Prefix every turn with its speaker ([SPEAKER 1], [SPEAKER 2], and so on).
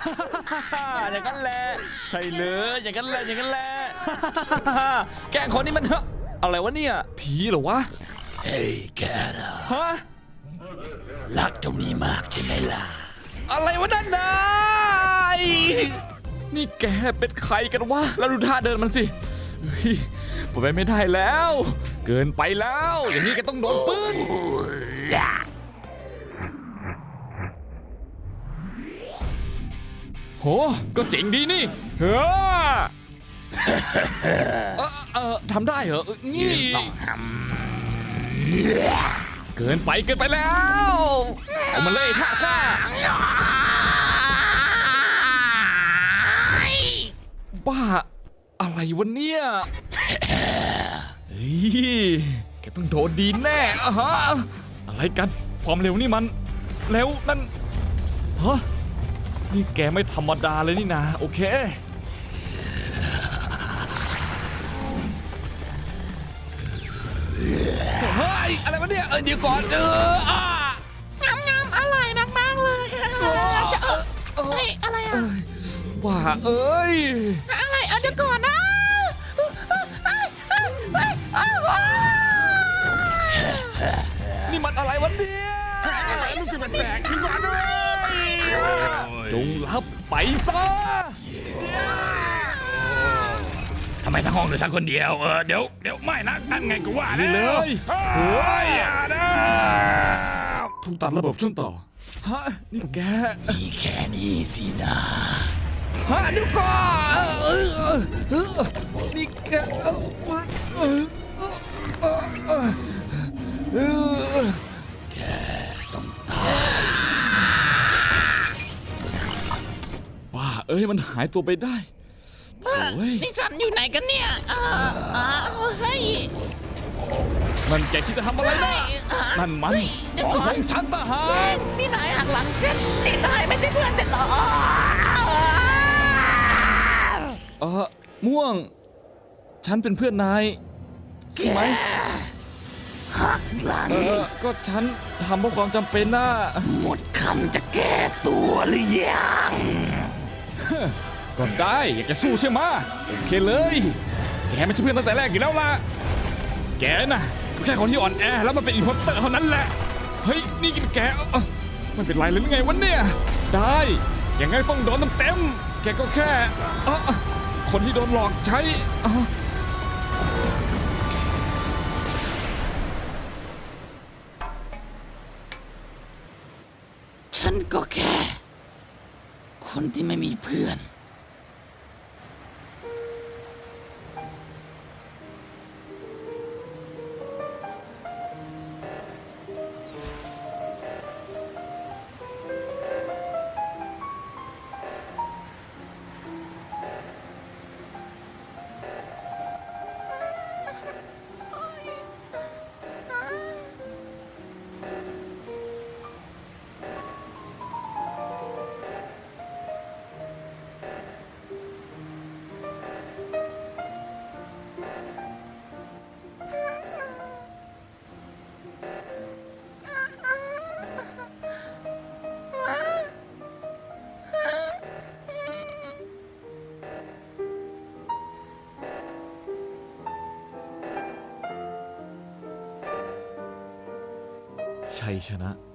[SPEAKER 1] อย่างนั้นแหละใช่เลยอย่างนั้นแหละอย่างนั้นแหละแกล้งคนนี้มันอะไรวะเนี่ยผีเหรอวะ
[SPEAKER 2] เฮ้ยแกนะ
[SPEAKER 1] ฮะ
[SPEAKER 2] รักเจ้านี้มากใช่ไหมล่ะ
[SPEAKER 1] อะไรวะนั่นนายนี่แกเป็นใครกันวะแล้วดูท่าเดินมันสิผมไปไม่ได้แล้วเกินไปแล้วอย่างนี้แกต้องโดนปืนโหก็เจ๋งดีนี่ทำได้เหรอนี่เกินไปแล้วเอามาเลยท่าบ้าอะไรวะเนี่ยเฮ้ยแกต้องโดนดีแน่ฮะอะไรกันความเร็วนี่มันแล้วนั่นฮะนี่แกไม่ธรรมดาเลยนี่นะโอเคเฮ้ยอะไรวะเนี่ยเดี๋ยวก่อน
[SPEAKER 3] งามอร่อยมากๆเลยจะเฮ้ยอะไรอ่ะ
[SPEAKER 1] ว่าเอ้ย
[SPEAKER 3] อะไรเดี๋ยวก่อนนะ
[SPEAKER 1] นี่มันอะไรวะเนี่ย
[SPEAKER 3] รู้สึกแปลกๆขึ้นมาด้วย
[SPEAKER 1] จงรับไปซะ
[SPEAKER 2] ทำไมทั้งห้องเหลือฉันคนเดียวเดี๋ยวไม่นะนั่นไงกูว่า
[SPEAKER 1] นี่เลย
[SPEAKER 2] เฮ้ยอย่านะ
[SPEAKER 1] ถูกตัดระบบช่วงต่อฮะนี่แก
[SPEAKER 2] มีแค่นี้สินะ
[SPEAKER 1] ฮะเดี๋ยวก่อนนี่แก
[SPEAKER 2] แกต้องตาย
[SPEAKER 1] บ้าเอ้ยมันหายตัวไปได้
[SPEAKER 3] นี่ฉันอยู่ไหนกันเนี่ยเฮ้ย
[SPEAKER 1] นั่นแกคิดจะทำอะไรนะนั่นมันของฉันทหาร
[SPEAKER 3] นี่นายหักหลังฉันนี่นายไม่ใช่เพื่อนฉันหรอ
[SPEAKER 1] ม่วงฉันเป็นเพื่อนนายใช่ไหม
[SPEAKER 2] หักหลัง
[SPEAKER 1] ก็ฉันทำเพราะความจำเป็นนะ
[SPEAKER 2] หมดคำจะแก้ตัวหรือยัง
[SPEAKER 1] ก็ได้อยากจะสู้ใช่ไหมโอเคเลยแกไม่ใช่เพื่อนตั้งแต่แรกอยู่แล้วล่ะแกน่ะก็แค่คนที่อ่อนแอแล้วมันเป็นอินโพสเตอร์เท่านั้นแหละเฮ้ยนี่กินแกไม่เป็นไรเลยหรือไงวะเนี่ยได้ยังไงต้องโดนเต็มแกก็แค่คนที่โดนหลอกใช้
[SPEAKER 2] ฉันก็แค่คนที่ไม่มีเพื่อน
[SPEAKER 1] ชัยชนะ